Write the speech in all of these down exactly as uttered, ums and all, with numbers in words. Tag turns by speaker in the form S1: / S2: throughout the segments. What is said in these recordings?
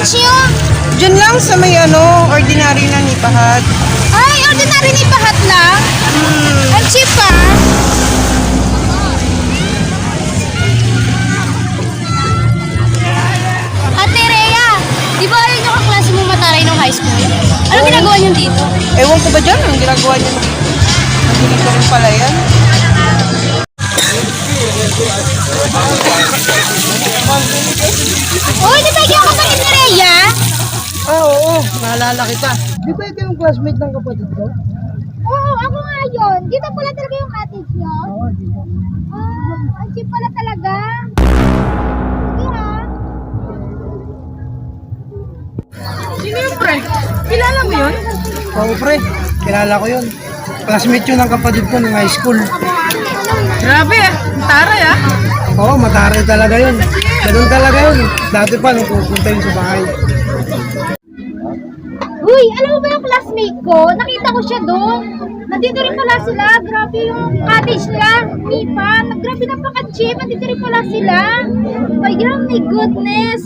S1: cash nyo?
S2: Diyan lang sa may ano, ordinary na nipahat.
S1: Ay, ordinary ni pahat lang.
S2: Hmm.
S1: Ang cheap pa. Ate Rhea, di ba ayun yung kaklase mo mataray nung high school? Anong ginagawa niyo dito?
S2: Ewan ko ba dyan? Ang ginagawa niyo? Hindi ko rin pala yan.
S1: Uy, di ba yung kapatid ni Rhea?
S2: Ah, oo. Naalala kita. Di ba ikaw yung classmate ng kapatid ko?
S1: Oo, ako nga yun. Dito pala talaga yung cottage nyo?
S2: Oo, di ba?
S1: Ah, ang cheap pala talaga. Sige ha.
S2: Sino yung pre? Kilala mo yun? Oo, pre. Kilala ko yun. Classmate yun ng kapatid ko ng high school. Grabe ah. Taray ah. Oo, mataray talaga yun. Ganun talaga yun. Dati pa nung pupunta yun sa bahay.
S1: Uy, alam mo ba yung classmate ko? Nakita ko siya doon. Nandito rin pala sila. Grabe yung cottage nila. Mipa. Grabe napaka-cheap. Nandito rin pala sila. My God, my goodness.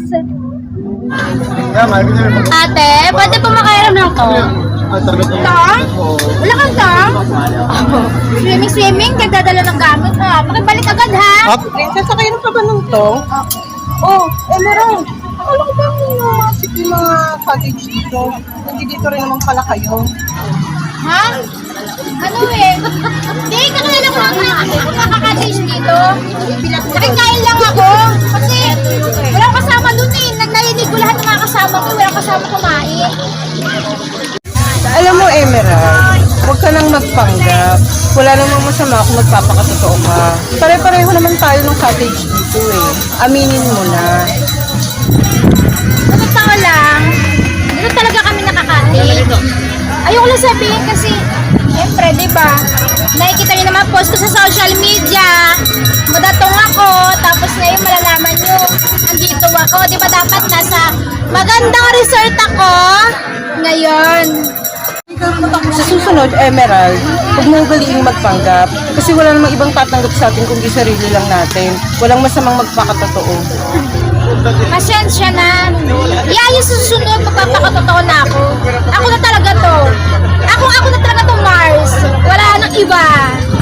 S1: Ate, pwede pa makairam ng to? Tang? Wala kang tang? Swimming, swimming. Nagdadala ng gamit ha. Makibalik agad ha.
S2: Up? Princess, sakayin pa ba nung to? Oh, Emerald. Akala ko ba yung mga sige mga cottage dito? Nandito rin naman pala kayo.
S1: Ha? Ano eh? Hindi, kakilala ko lang mga kakaka-cottage dito. Nakikain lang ako. Kasi walang kasama dun eh. Nagnayinig ko lahat ng mga kasama ko. Walang kasama kumain.
S2: Alam mo, Emerald, huwag ka nang magpanggap. Wala namang masama kung magpapakatotoo ka. Pare-pareho naman tayo ng cottage dito eh. Aminin mo na.
S1: Sa totoo lang, dito talaga kami nakaka-cottage. Ayoko lang sabihin kasi, siyempre, di ba? Nakikita niyo naman post ko sa social media. Madatong ako, tapos ngayon malalaman niyo, andito ako. Di ba dapat nasa magandang resort ako ngayon?
S2: Sa susunod, Emerald, huwag mong galiing magpanggap. Kasi wala namang ibang tatanggap sa atin kundi sarili lang natin. Walang masamang magpakatotoo.
S1: Pasensya na. Yeah, yung susunod, magpapakatotoo na ako. Ako na talaga to. Ako, ako na talaga to, Mars. Wala nang iba.